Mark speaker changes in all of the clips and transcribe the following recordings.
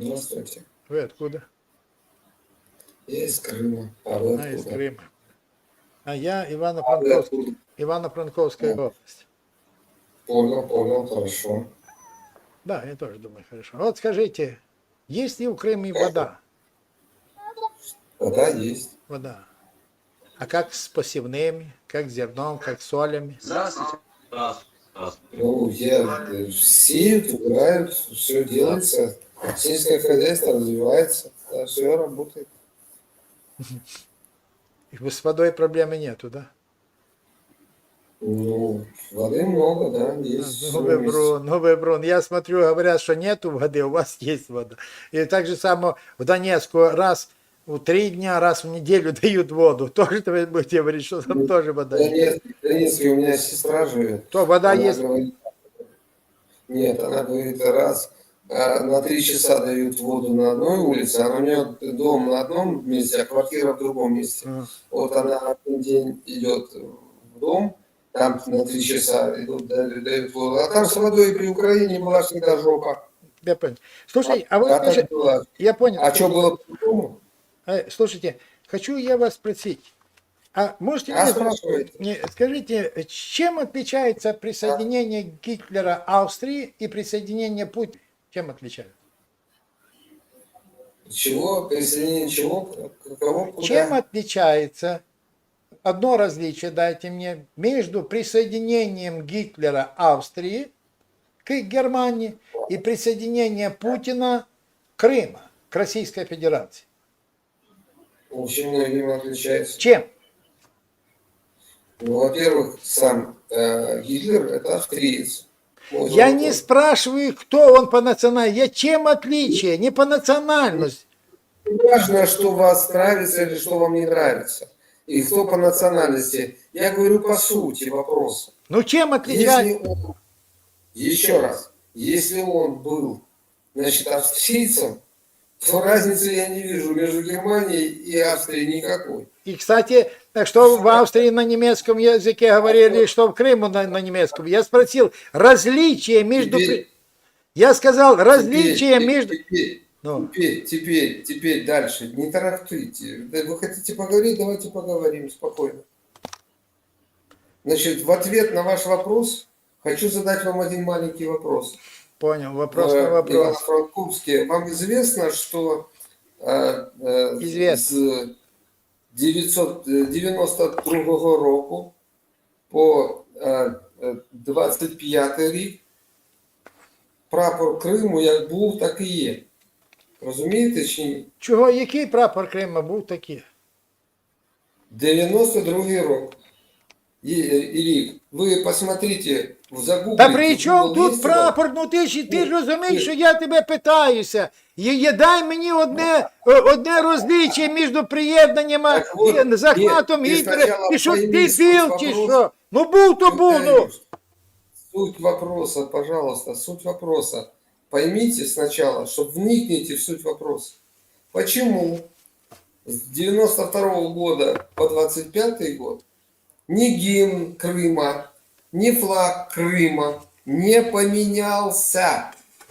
Speaker 1: Здравствуйте.
Speaker 2: Вы откуда?
Speaker 1: Я из Крыма. А вы откуда?
Speaker 2: Из Крыма. А я
Speaker 1: А вы
Speaker 2: Ивано-Франковский.
Speaker 1: откуда?
Speaker 2: Ивано-Франковская область.
Speaker 1: Понял, хорошо.
Speaker 2: Да, я тоже думаю, хорошо. Вот скажите, есть ли в Крыме вода?
Speaker 1: Вода есть.
Speaker 2: Вода. А как с посевными, как с зерном, как с солями?
Speaker 3: Здравствуйте.
Speaker 1: Ну, сеют, убирают, все делается. Сельское хозяйство развивается. Да, все работает.
Speaker 2: И с водой проблемы нету, да?
Speaker 1: Ну, воды много, да, есть.
Speaker 2: Ну,
Speaker 1: всё
Speaker 2: вы
Speaker 1: есть.
Speaker 2: врун, ну, вы врун. Я смотрю, говорят, что нету воды, у вас есть вода. И так же само в Донецку раз в 3 дня, раз в неделю дают воду. Тоже вы будете говорить, что там
Speaker 1: Ну,
Speaker 2: тоже вода есть.
Speaker 1: В Донецке у меня сестра живет.
Speaker 2: То вода
Speaker 1: Она
Speaker 2: есть.
Speaker 1: говорит, нет, она говорит, раз на 3 часа дают воду на одной улице, а у нее дом на одном месте, а квартира в другом месте. Вот она один день идет в дом, там на 3 часа идут, дают воду, а там с водой при Украине была всегда жопа.
Speaker 2: Я понял. Слушай, а вы
Speaker 1: так
Speaker 2: слушай,
Speaker 1: было.
Speaker 2: я понял.
Speaker 1: А что было по-другому?
Speaker 2: Слушайте, хочу я вас спросить. А можете
Speaker 1: Спрашивайте.
Speaker 2: мне скажите, чем отличается присоединение Гитлера Австрии и присоединение Путина? Чем отличается?
Speaker 1: Чего? Присоединение чего? Кого? Куда?
Speaker 2: Чем отличается, одно различие дайте мне, между присоединением Гитлера Австрии к Германии и присоединением Путина Крыма к Российской Федерации?
Speaker 1: Очень многим отличается.
Speaker 2: Чем?
Speaker 1: Ну, во-первых, сам Гитлер – это австриец.
Speaker 2: Я не спрашиваю, кто он по национальности. Я чем отличие, не по национальности.
Speaker 1: Важно, что вас нравится или что вам не нравится. И кто по национальности. Я говорю по сути вопроса.
Speaker 2: Ну чем отличается?
Speaker 1: Еще раз, если он был, значит, австрийцем, то разницы я не вижу между Германией и Австрией никакой.
Speaker 2: И, кстати, что в Австрии на немецком языке говорили, что в Крыму на немецком. Я спросил, различие между... Я сказал, различие между...
Speaker 1: Теперь дальше, не торопите. Вы хотите поговорить, давайте поговорим спокойно. Значит, в ответ на ваш вопрос хочу задать вам один маленький вопрос.
Speaker 2: Понял, вопрос на вопрос.
Speaker 1: Ивано-Франковске. Вам известно, что
Speaker 2: Известно.
Speaker 1: С 992 року по 25 рік прапор Криму як був, так і є. Розумієте чи ні?
Speaker 2: Чого, який прапор Криму був такий?
Speaker 1: 92-й рік. Ви посмотрите, загуглите.
Speaker 2: Та при чому тут прапор? Ну ти ж розумієш, що я тебе питаюся. Дай мені одне розличие між приєднанням захватом Гітлера. Ти що, дебіл чи що? Ну був то був, ну.
Speaker 1: Суть вопроса, пожалуйста, суть вопроса. Поймите сначала, чтобы вникните в суть вопроса. Почему с 92 года по 25 год ни гимн Крыма, ни флаг Крыма не поменялся?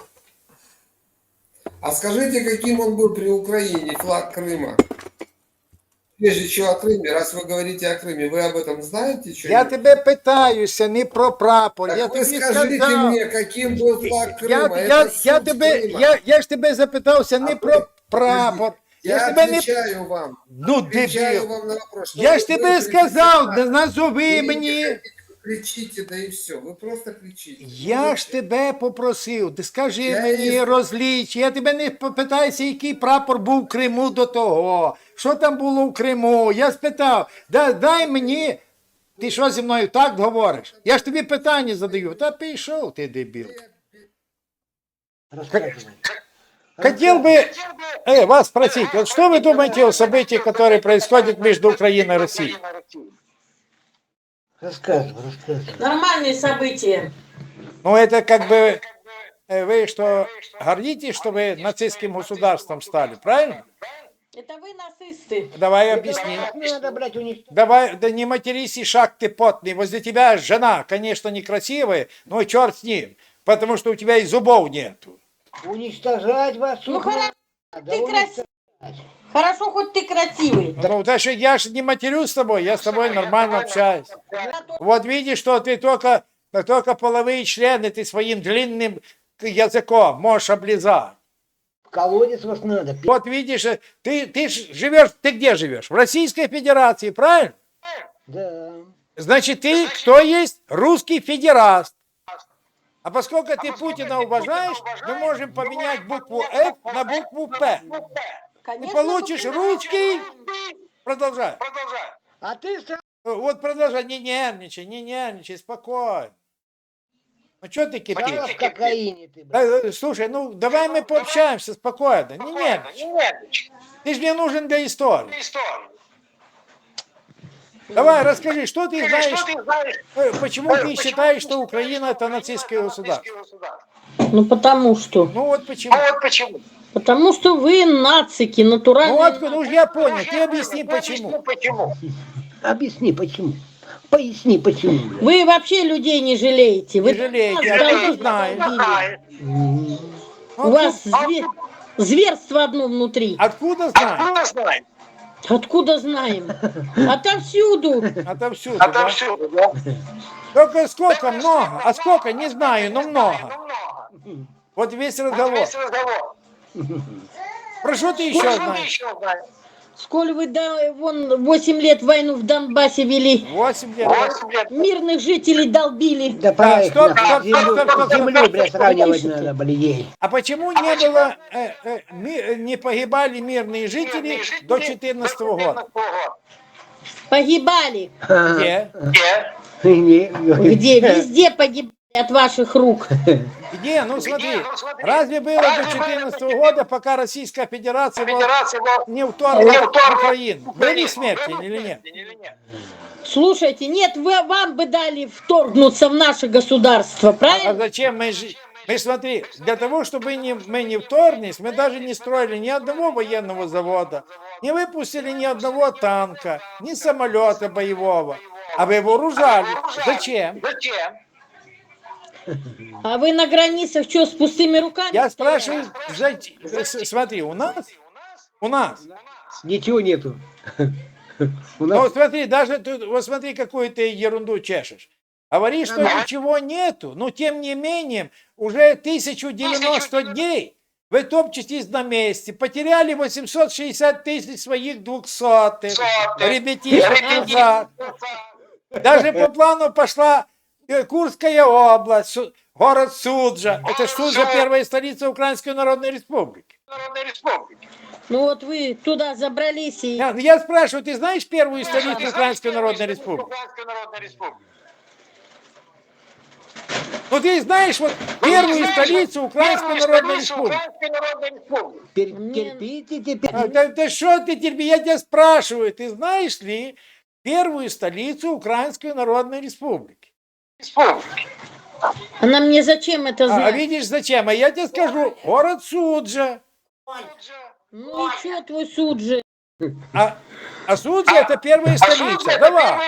Speaker 1: А скажите, каким он был при Украине, флаг Крыма? Прежде чего о Крыме, раз вы говорите о Крыме, вы об этом знаете?
Speaker 2: Я тебе питаюся не про прапор.
Speaker 1: Так
Speaker 2: я
Speaker 1: вы
Speaker 2: тобі
Speaker 1: скажите
Speaker 2: сказав.
Speaker 1: мне, каким был флаг Крыма?
Speaker 2: Я ж тебе запитався не про прапор.
Speaker 1: Я отвечаю вам.
Speaker 2: Ну,
Speaker 1: отвечаю вам на вопрос.
Speaker 2: Я ж тебе сказав, назови мені.
Speaker 1: Кричите, да и все. Вы просто кричите.
Speaker 2: Я ж тебе попросив, ти скажи мені розліч. Я тебе не питаюся, який прапор був в Криму до того. Що там було в Криму? Я спитав, дай мені. Ти що зі мною так говориш? Я ж тобі питання задаю. Та пішов ти, дебіл. Хотел бы вас спросить, вот что вы думаете о событиях, которые происходят между Украиной и Россией?
Speaker 4: Рассказывай.
Speaker 5: Нормальные события.
Speaker 2: Ну, это как бы вы что, гордитесь, что вы нацистским государством стали, правильно?
Speaker 5: Это вы нацисты.
Speaker 2: Давай объясни.
Speaker 4: Надо брать у них.
Speaker 2: Давай, да не матерись, и шаг ты потный. Возле тебя жена, конечно, некрасивая, но черт с ним, потому что у тебя и зубов нету.
Speaker 3: Уничтожать вас.
Speaker 5: Ну,
Speaker 3: тут
Speaker 5: хорошо,
Speaker 3: надо,
Speaker 5: ты
Speaker 3: уничтожать.
Speaker 5: Хорошо, хоть ты красивый.
Speaker 2: Ну, да что я же не матерюсь с тобой, я с тобой нормально общаюсь. Вот видишь, что ты только половые члены ты своим длинным языком можешь облизать.
Speaker 3: В колодец вас надо.
Speaker 2: Вот видишь, ты живешь, ты где живешь? В Российской Федерации, правильно?
Speaker 3: Да.
Speaker 2: Значит, ты кто есть? Русский федераст. А поскольку ты Путина уважаешь, мы можем поменять букву F на букву П. Ты
Speaker 5: Конечно,
Speaker 2: получишь русский. Продолжай.
Speaker 3: А ты сам
Speaker 2: Вот продолжай, не нервничай, спокойно. Ну что ты
Speaker 3: стала
Speaker 2: кипишь?
Speaker 3: в кокаине ты, блядь.
Speaker 2: Слушай, ну давай мы пообщаемся спокойно, не нервничай. Ты же мне нужен для истории. Давай, расскажи, что ты знаешь, почему ты считаешь, что Украина это нацистское государство?
Speaker 5: Ну, потому что.
Speaker 2: Ну вот почему.
Speaker 5: Потому что вы нацики,
Speaker 2: Ну
Speaker 5: натуральные.
Speaker 2: откуда, ну я понял, ты объясни почему.
Speaker 3: Объясни, почему. Поясни, почему, блядь.
Speaker 5: Вы вообще людей не жалеете. Вы
Speaker 2: Не жалеете,
Speaker 5: нас
Speaker 2: а ты
Speaker 5: долбили,
Speaker 2: знаешь.
Speaker 5: долбили.
Speaker 3: М.
Speaker 5: У вас зверство одно внутри.
Speaker 2: Откуда знаешь?
Speaker 5: Откуда знаем? Отовсюду.
Speaker 2: Отовсюду, да? Только сколько, много. А сколько, не знаю, но много. Вот весь разговор. Про что ты еще знаешь?
Speaker 5: Сколь вы вон 8 лет войну в Донбассе вели,
Speaker 2: 8 лет.
Speaker 5: мирных жителей долбили.
Speaker 3: Да пора их
Speaker 2: стоп,
Speaker 3: нахуй.
Speaker 2: стоп,
Speaker 3: Землю,
Speaker 2: стоп, стоп,
Speaker 3: землю,
Speaker 2: стоп,
Speaker 3: блядь,
Speaker 2: стоп,
Speaker 3: сравнивать
Speaker 5: стоп.
Speaker 3: надо, блядь.
Speaker 2: А почему не было, не погибали мирные жители до 2014 года?
Speaker 5: Погибали.
Speaker 2: Где?
Speaker 5: Где? Везде погибали от ваших рук.
Speaker 2: Где? Ну смотри, разве было до 2014 года, пока Российская Федерация не вторглась в Украину? Были смерти или нет?
Speaker 5: Слушайте, нет, вам бы дали вторгнуться в наше государство,
Speaker 2: А
Speaker 5: правильно?
Speaker 2: зачем мы смотри, для того, чтобы мы не вторглись, мы даже не строили ни одного военного завода, не выпустили ни одного танка, ни самолета боевого, а вы вооружали. Зачем?
Speaker 5: А вы на границах что, с пустыми руками?
Speaker 2: Я спрашиваю, смотри, у нас,
Speaker 3: Ничего нету. У
Speaker 2: ну
Speaker 3: нас
Speaker 2: смотри, даже тут, вот смотри, какую ты ерунду чешешь. Говоришь, что ничего нету, но тем не менее, уже 1090 дней вы топчетесь на месте, потеряли 860 тысяч своих 200 ребятишек назад. Даже по плану пошла Курская область, город Суджа. Это Суджа, первая столица Украинской Народной Республики.
Speaker 5: Ну вот вы туда забрались и...
Speaker 2: Я спрашиваю, ты знаешь первую столицу Украинской Народной Республики? Ну ты знаешь вот первую столицу Украинской Народной Республики?
Speaker 3: терпите теперь.
Speaker 2: Да что ты терпи, я тебя спрашиваю, ты знаешь ли первую столицу Украинской Народной Республики?
Speaker 5: Она мне зачем это
Speaker 2: А
Speaker 5: знать?
Speaker 2: видишь зачем? А я тебе скажу, город Суджа.
Speaker 5: Ну и что твой суд же?
Speaker 2: А Суджа это первая столица. Давай.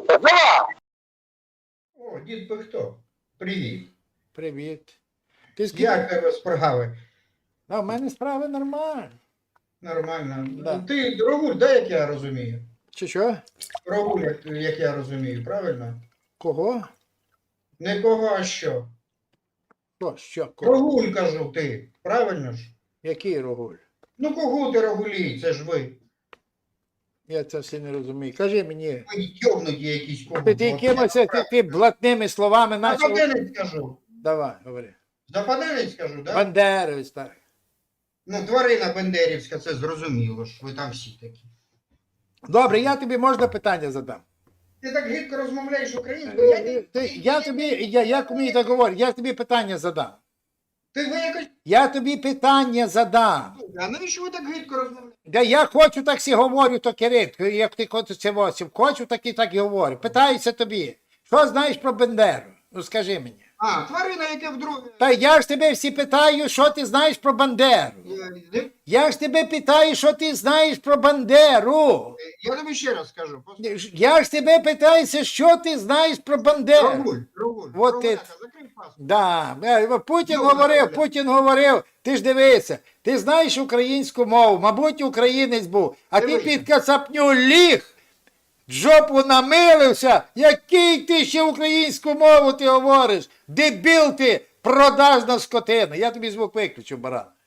Speaker 4: О, дід би хто? Привіт.
Speaker 2: Привіт. Ти з
Speaker 4: Як тебе справи?
Speaker 2: А в мене справи нормально.
Speaker 4: Нормально.
Speaker 2: Да.
Speaker 4: Ти Рогуль, да, як я розумію?
Speaker 2: Чи що?
Speaker 4: Рогуль, як я розумію, правильно?
Speaker 2: Кого?
Speaker 4: Не кого, а що?
Speaker 2: Що? Кого?
Speaker 4: Рогуль, кажу, ти. Правильно ж?
Speaker 2: Який Рогуль?
Speaker 4: Ну кого ти Рогулі? Це ж ви.
Speaker 2: Я це все не розумію. Кажи мені.
Speaker 4: Ви йовнуті якісь кого.
Speaker 2: Ти якимось ти блатними словами почав.
Speaker 4: Западенець скажу.
Speaker 2: Давай, говори.
Speaker 4: Западенець скажу, да?
Speaker 2: Бандеровець, так.
Speaker 4: Ну, тварина Бендерівська, це зрозуміло ж. Ви там всі такі.
Speaker 2: Добре, я тобі можна питання задам.
Speaker 4: Ти так гидко розмовляєш українською.
Speaker 2: Як мені так говорять, я тобі питання задам.
Speaker 4: Ти ви якось...
Speaker 2: Я тобі питання задам.
Speaker 4: А навіщо ви так гидко розмовляєте?
Speaker 2: Да я хочу, так сі говорю, то Кирит, як ти хочеш це восім. Хочу, так і говорю. Питаюся тобі, що знаєш про Бендеру? Ну скажи мені.
Speaker 4: А, тварина, яке вдруге...
Speaker 2: Та я ж тебе всі питаю, що ти знаєш про Бандеру. Я ж тебе питаю, що ти знаєш про Бандеру.
Speaker 4: Я тобі ще раз скажу.
Speaker 2: Я ж тебе питаюся, що ти знаєш про Бандеру.
Speaker 4: Рогуль.
Speaker 2: Вот ти.
Speaker 4: Закрий
Speaker 2: Да. Путін
Speaker 4: Йобана
Speaker 2: говорив,
Speaker 4: Оля.
Speaker 2: Путін говорив, ти ж дивися, ти знаєш українську мову, мабуть, українець був, а ти
Speaker 4: Дивися.
Speaker 2: під кацапню ліг, жопу намилився, який ти ще українську мову ти говориш? Дебіл ти, продажна скотина. Я тобі звук виключу, баран.